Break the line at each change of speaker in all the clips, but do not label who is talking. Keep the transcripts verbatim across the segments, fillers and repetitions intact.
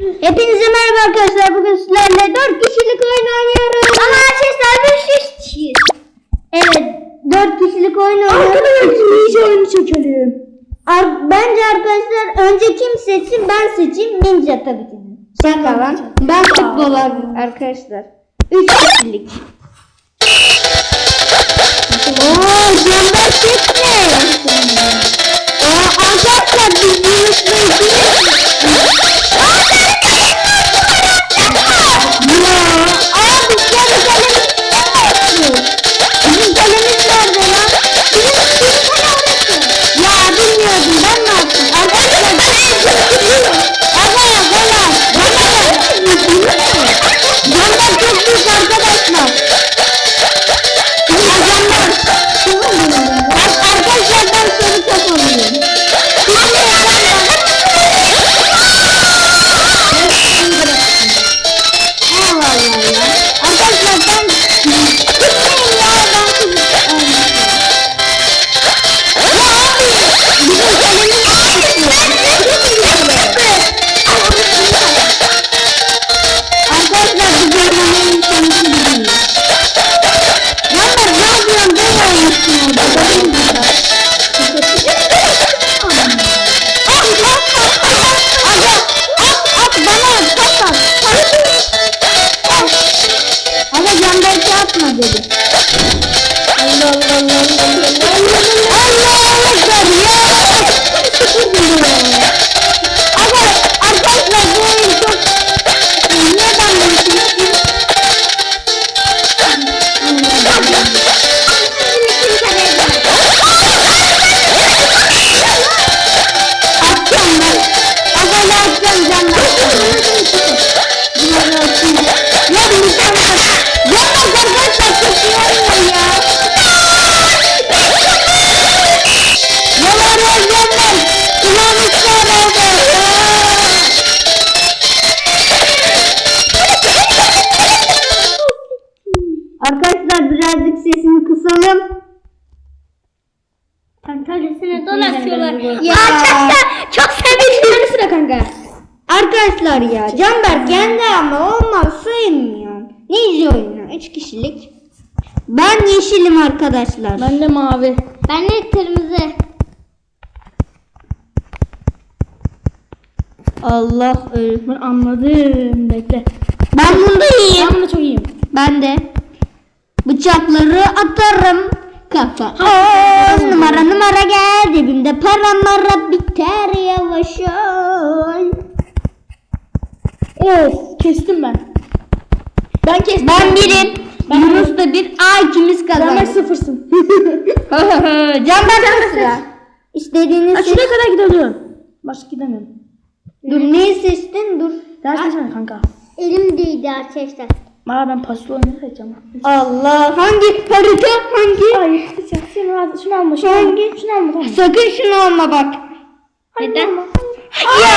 Hepinize merhaba arkadaşlar. Bugün sizlerle dört kişilik oyun oynuyoruz. Ama arkadaşlar biz üç kişiyiz. Evet, dört kişilik oyun oynuyoruz.
Arkadaşlar iyice oyunu çekelim.
Ar bence arkadaşlar önce kim seçsin? Ben seçeyim. Ninja tabii ki. Şaka lan. Ben futbol arkadaşlar. üç kişilik. Ooo Cember çekme. Ooo arkadaşlar biz Yunus'la ikimiz. Arkadaşlar birazcık sesini kısalım.
Tantanesine dolaşıyorlar.
Ya arkadaşlar çok sevindim. Sıra kanka. Arkadaşlar ya Canberk kendi ama olmaz sevmiyorum. Ninja oyunu üç kişilik. Ben yeşilim arkadaşlar.
Ben de mavi.
Ben de kırmızı. Allah öl.
Ben anladım. Bekle.
Ben bunda iyiyim.
Ben bunda çok iyiyim.
Ben de. Bıçakları atarım kafa. On numara numara gel cebimde para mara biter yavaş ol.
Of kestim ben. Ben kestim.
Ben birim.
Ben
Yunus da bir. Aa ikimiz
Ben
kazandık.
sıfırsın.
Canberk sıra. İstediğiniz
Ha,
seç.
şuraya kadar gidebiliyorum. Başka gidemiyorum.
Dur neyi seçtin dur.
Ders seçme kanka.
Elim değdi arkadaşlar.
Aa ben paslı oyunu seçeceğim.
Allah hangi harita hangi?
Ay seçeceğim. Şunu al, şunu alma. Şunu alma.
Hangi?
Şunu alma tamam.
Sakın şunu alma bak.
Neden?
Ya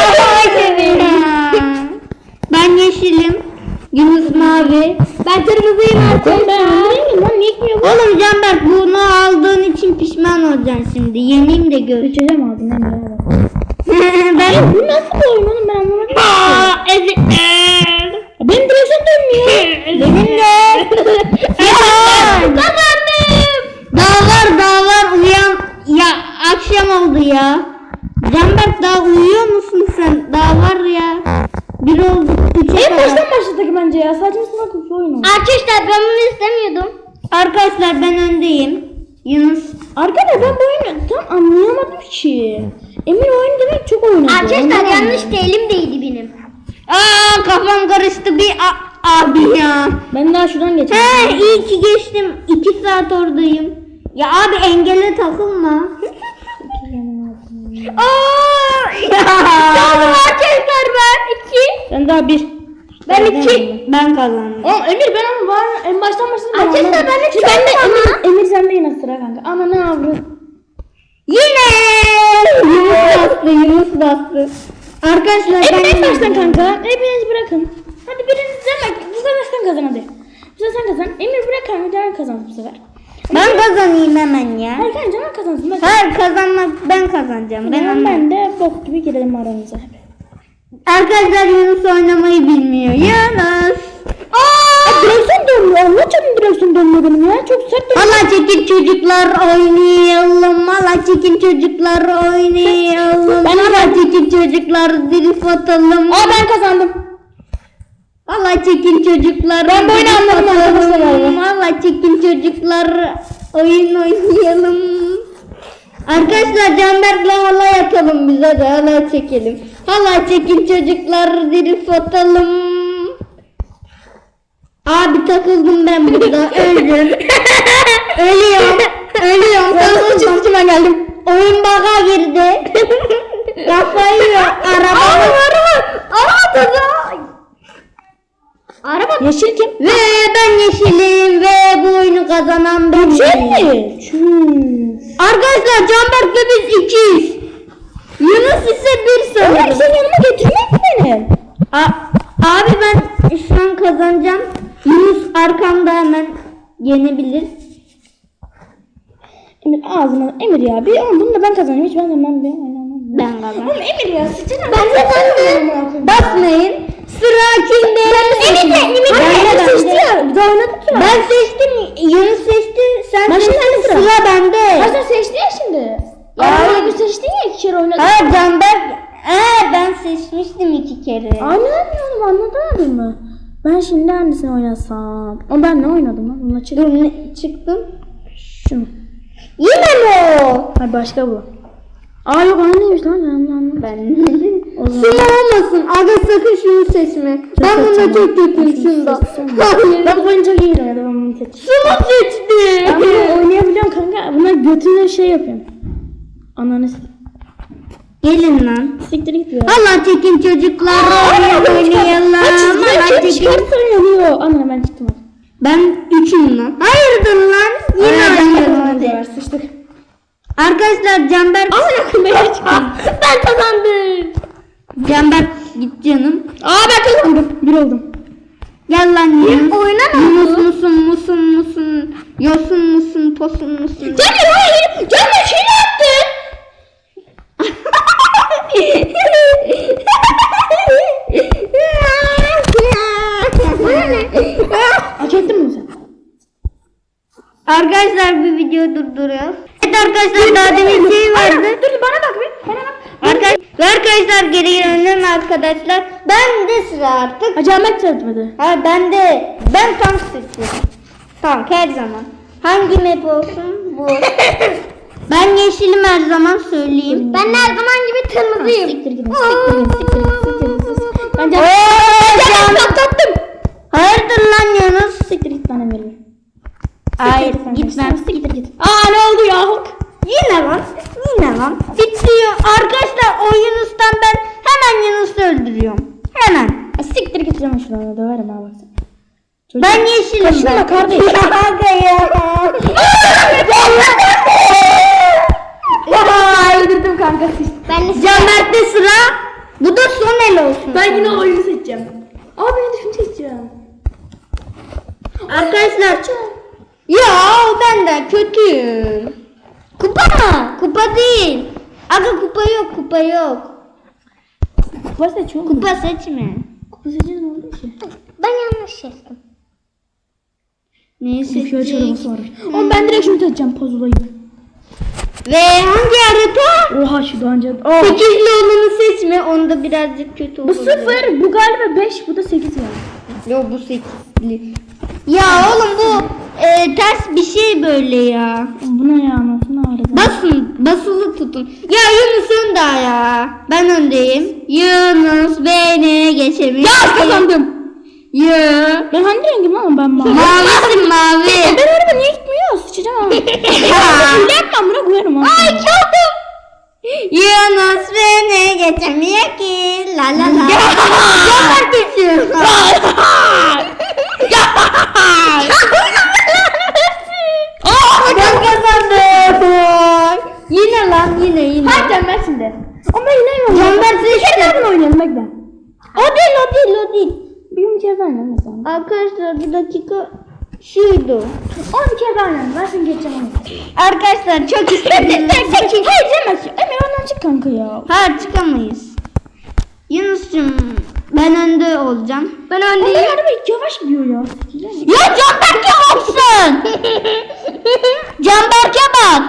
ben yeşilim. Yunus mavi. Ben kırmızıyım
Ben ben
arkadaşlar.
öldüreyim lan. Niye gitmiyor bu?
Oğlum Canberk bunu aldığın için pişman olacaksın şimdi. Yeneyim de gör.
Seçeceğim aldın lan.
ben
Bu nasıl bir oyun oğlum ben anlamadım.
Aa, ezikler.
Benim direksiyon dönmüyor.
Benim de. Kazandım. Daha var daha var uyan. Ya akşam oldu ya. Canberk daha uyuyor musun sen? Daha var ya. Bir oldu. Üçe
En
kadar.
baştan başladık bence ya. Sadece sınav kutu oyunu.
Arkadaşlar ben bunu istemiyordum. Arkadaşlar ben öndeyim. Yunus.
Arkadaşlar ben bu oyunu tam anlayamadım ki. Emir oyun demek çok oynadı.
Arkadaşlar yanlış da elim değdi benim. Aa kafam karıştı bir a- abi ya.
Ben daha şuradan geçeyim.
He iyi ki geçtim. iki saat oradayım. Ya abi engele takılma. Aa ya. Tamam arkadaşlar ben iki.
Ben daha bir.
Ben iki. Ben kazandım.
Oğlum Emir ben ama var en baştan başladım. ben
Arkadaşlar,
anlamadım.
ben de
Çünkü
çok
ben de
ama.
Emir, Emir sende yine sıra kanka. Ana ne yavrum.
Yine Yunus bastı Yunus bastı. Arkadaşlar
Emir en
ben
baştan kanka. Hepiniz bırakın. Hadi biriniz bak. Bu sefer sen kazan hadi. Bu sefer sen kazan. Emir bırak kanka. Canan kazansın bu sefer.
ben kazanayım hemen ya.
Hayır kanka Canan kazansın. Bak.
Hayır kazanmak ben kazanacağım. Ben
Ben,
anladım.
ben de bok gibi girelim aramıza.
Arkadaşlar Yunus oynamayı bilmiyor. Yunus.
Aa! Direksiyon dönmüyor. Allah canım direksiyon dönmüyor benim ya. Çok sert dönüyor.
Hala çekin çocuklar oynayalım. Hala çekin çocuklar oynayalım.
Ben
Hala çekin çocuklar drift atalım.
Aa ben kazandım.
Hala çekin çocuklar.
Ben böyle
drift
anladım
atalım.
arkadaşlar.
Hala çekin çocuklar oyun oynayalım. Arkadaşlar Canberk'le hala yatalım biz, hadi hala çekelim. Hala çekin çocuklar drift atalım. Abi takıldım ben burada, öldüm. Ölüyorum. Ölüyorum.
Ben çizgime geldim.
Oyun baga girdi. Kafayı yiyor. Araba. Araba. Araba. Araba.
Yeşil kim?
Ve ben yeşilim ve bu oyunu kazanan benim.
mi? Çüş.
Arkadaşlar Canberk'le biz ikiyiz. Yunus ise bir
Ömer
sanırım.
sen yanıma getirmek mi beni?
A- abi ben şu an kazanacağım. Yunus arkamda hemen yenebilir.
Emir ağzına Emir ya bir on bunu da ben kazanayım hiç ben de ben bir oynamam.
Ben kazandım.
Oğlum Emir ya sıçacağım.
Ben kazandım. Basmayın. Sıra kimde?
Emir de Emir de
Ben de,
Emir seçti
ben de.
ya. Bir daha oynadık ya.
Ben seçtim. Yunus seçti. Sen
Ben şimdi
seçtin.
sıra.
Sıra bende.
Ha sen seçtin ya şimdi.
Ya.
Ya Emir seçtin ya iki kere oynadık.
Ha Canberk. Ee, ben seçmiştim iki kere.
Anlamıyorum anladın mı? Ben şimdi hangisini oynasam? O ben ne oynadım lan? Bununla çık.
Dur ne çıktım?
Şunu.
Yine mi o?
Hayır başka bu. Aa yok aynıymış lan. Ben anlamadım.
Ben.
O zaman-
Sıra olmasın. Aga sakın şunu seçme. Ben bunda
seçeceğim.
çok kötüyüm
Şunu
şunda.
seçsem mi?
Hayır.
Ben bu oyunu çok iyi oynadım. Ben bunu seçtim.
Şunu seçti.
Ben bunu oynayabiliyorum kanka. Buna götüne şey yapıyorum. Ananı s-
Gelin lan.
siktir git ya.
Allah çekin çocuklar oyun oynayalım. Allah çekin.
Çıkartın yanıyor. Anne ben çıktım.
Ben üçüm lan. Hayırdır lan? Yine oynayalım
Hadi.
hadi.
Sıçtık.
Arkadaşlar Canberk.
Amına koyayım ben çıktım. Ben kazandım.
Canberk git canım.
Aa ben kazandım. Bir oldum.
Gel lan Yunus.
oynama.
Yunus musun musun musun? Yosun musun posun musun?
Cemil hayır. Cemil şey yaptı. Hak ettin mi sen?
Arkadaşlar bir video durduruyoruz. Evet arkadaşlar daha demin şey vardı.
Dur bana bak bir. Bana bak.
Arkadaşlar, ve arkadaşlar geri gelelim arkadaşlar. Ben de sıra artık.
Acamet çarpmadı.
Ha ben de ben tank seçiyorum. Tank her zaman. Hangi map olsun bu. Ben yeşilim her zaman söyleyeyim.
Ben
her zaman gibi kırmızıyım.
Siktir gidin. Siktir gidin. Siktir gidin. Siktir gidin. Ben
Oo,
Cemil
can-
patlattım.
Hayırdır lan Yunus?
Siktir git bana veriyor.
Hayır gitmem.
Siktir git. Aa ne oldu ya?
Yine lan. Yine lan. Bitiyor. Arkadaşlar o Yunus'tan ben hemen Yunus'u öldürüyorum. Hemen.
Siktir git canım şuna döverim ha bak.
Ben yeşilim
Kaşınma
ben.
kardeş.
Kanka ya.
Aa öldürdüm kanka.
Ben Canberk'te sıra. Bu da son el olsun.
Ben yine oyunu seçeceğim. Aa ben de şunu seçeceğim.
Arkadaşlar. Ya ben de kötüyüm. Kupa mı? Kupa değil. Aga kupa yok, kupa yok.
Kupa seçiyor mu?
Kupa seçme.
Kupa seçiyor ne oldu ki?
Ben yanlış seçtim. Neyi
Bir şöyle çorabı
seçtik?
var. Oğlum ben direkt şunu seçeceğim puzzle'ı.
Ve hangi harita?
Oha şu daha önce. Aa.
Sekizli olanı seçme. Onda birazcık kötü olur.
Bu sıfır, bu galiba beş, bu da sekiz yani.
Yok bu sekizli. Ya oğlum bu e, ters bir şey böyle ya.
Bu ne ya nasıl ağrıdı?
Basın, basılı tutun. Ya Yunus önde ya. Ben öndeyim. Yunus beni geçemiyor.
Ya kazandım.
Ya.
Ben hangi rengim lan ben mavi.
Mavisin mavi.
Ben araba niye gitmiyor? Sıçacağım ama. Hile yapmam buna koyarım ha.
Ay çaldım. Yunus beni geçemiyor ki. La la la. Gönder geçiyor. Ben kazandım. Yine lan yine yine.
Hadi Canberk şimdi. Ama ben yine oynayalım.
Canberk
Bir
seçti.
kere daha oynayalım bekle.
O değil o değil o değil.
Bir kere daha oynayalım mesela.
Arkadaşlar bir dakika şuydu.
Onu bir kere daha oynayalım. Ben seni geçeceğim onu.
Arkadaşlar çok istedim.
Hayır Cemberk. Emir ondan çık kanka ya.
Hayır çıkamayız. Yunus'cum ben önde olacağım. Ben
Onlar
öndeyim.
araba yavaş gidiyor ya.
Ya Canberk'e baksın. Canberk'e bak.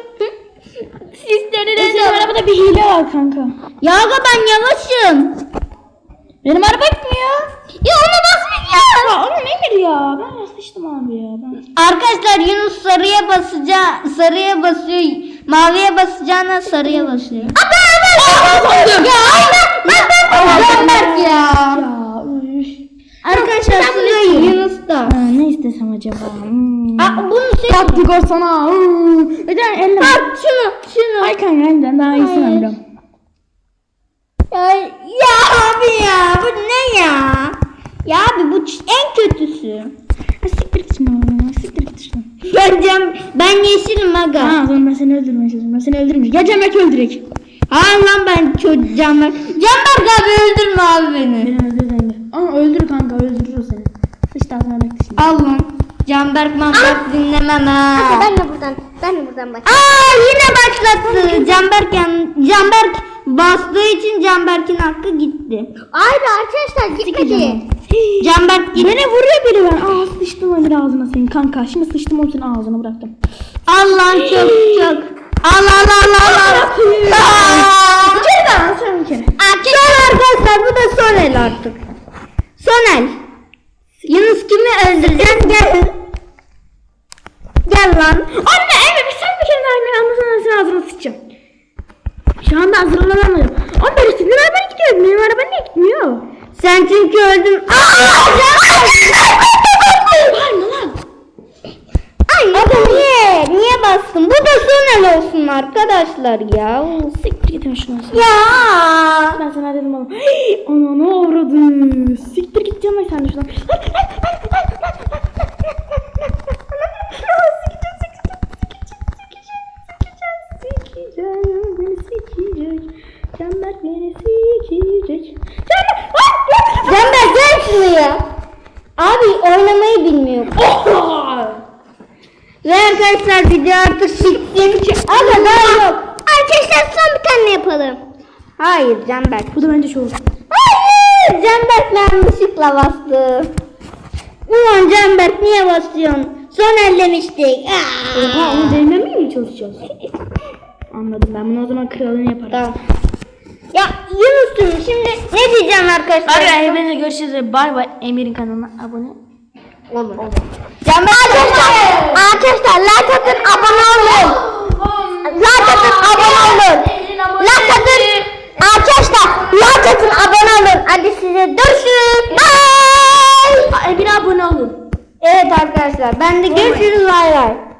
Senin arabada bir hile var kanka.
Ya aga ben yavaşım.
Benim araba gitmiyor.
Ya ona basmayacağım.
Ya oğlum Emir ya. Ben rastlaştım abi ya. Ben...
Arkadaşlar Yunus sarıya basacak, sarıya basıyor, maviye basacağına sarıya basıyor. Abi ben ya aynen ben ben Canberk ya.
Ya üf.
Arkadaşlar sıra Yunus'ta.
Ha, ne istesem acaba? Hmm.
Aa, bunu seç.
Taktik olsana. Hmm. Neden elle?
Bak şunu şunu.
Ay kanka elinden daha iyisini
Hayır.
alacağım.
Ya, ya abi ya bu ne ya? Ya abi bu ç- en kötüsü.
Ha, siktir git şimdi oğlum. Siktir git şimdi.
Ben cam, ben yeşilim aga.
Ha o zaman ben seni öldürmeye çalışıyorum. Ben seni öldürmeyeceğim. Ya Cemek öldürek.
Hayır lan ben çok Canberk. Canberk abi öldürme abi beni.
Beni öldür Emir. Ama öldür kanka öldürür o seni. Hiç daha sana bekle şimdi.
Al lan. Canberk Manberk dinlemem ha.
Ben de buradan, ben de buradan bak.
Aa yine başlattı. Canberk yan, Canberk bastığı için Canberk'in hakkı gitti.
Hayır arkadaşlar gitmedi.
Canberk gitti.
Beni vuruyor biri ben. Aa sıçtım Emir ağzına senin kanka. Şimdi sıçtım onu senin ağzına bıraktım.
Al lan çok çok. Al al al al al. Aa!
Bir kere daha sen bir kere.
Son arkadaşlar bu da son el artık. Son el. Yunus kimi öldüreceksin gel. Gel lan.
Anne Emir bir sen bir kere daha Emir anlasana senin ağzına sıçacağım. Şu anda hazırlanamadım. Anne ben senin araban gidiyor. Benim araban niye gitmiyor?
Sen çünkü öldün. Aa!
Bağırma lan.
Ay aga niye? Niye bastın? Bu da son el olsun arkadaşlar ya.
Siktir git şunu.
Ya.
Ben sana dedim oğlum. Ana ne avradı. Siktir git canım sen de şuradan. Canberk beni sikecek.
Canberk gel şuraya. Abi oynamayı bilmiyor. Ve arkadaşlar video artık bitsin. Aga daha yok.
Arkadaşlar son bir tane yapalım.
Hayır Canberk.
Bu da bence çok.
Hayır Canberk yanlışlıkla bastı. Ulan Canberk niye basıyorsun? Son ellemiştik. Aa!
Oha onu değmemeye mi çalışacağız? Anladım ben bunu o zaman kralını yaparım.
Tamam. Ya Yunus'um şimdi ne diyeceğim arkadaşlar?
Arkadaşlar hepinize görüşürüz. Bay bay. Emir'in kanalına abone
Olur. Canberk arkadaşlar, arkadaşlar like atın abone olun. Like atın abone olun. Like atın. Arkadaşlar like atın abone olun. Hadi size görüşürüz. Bye.
Emir'e abone olun.
Evet arkadaşlar ben de görüşürüz. Bay bay.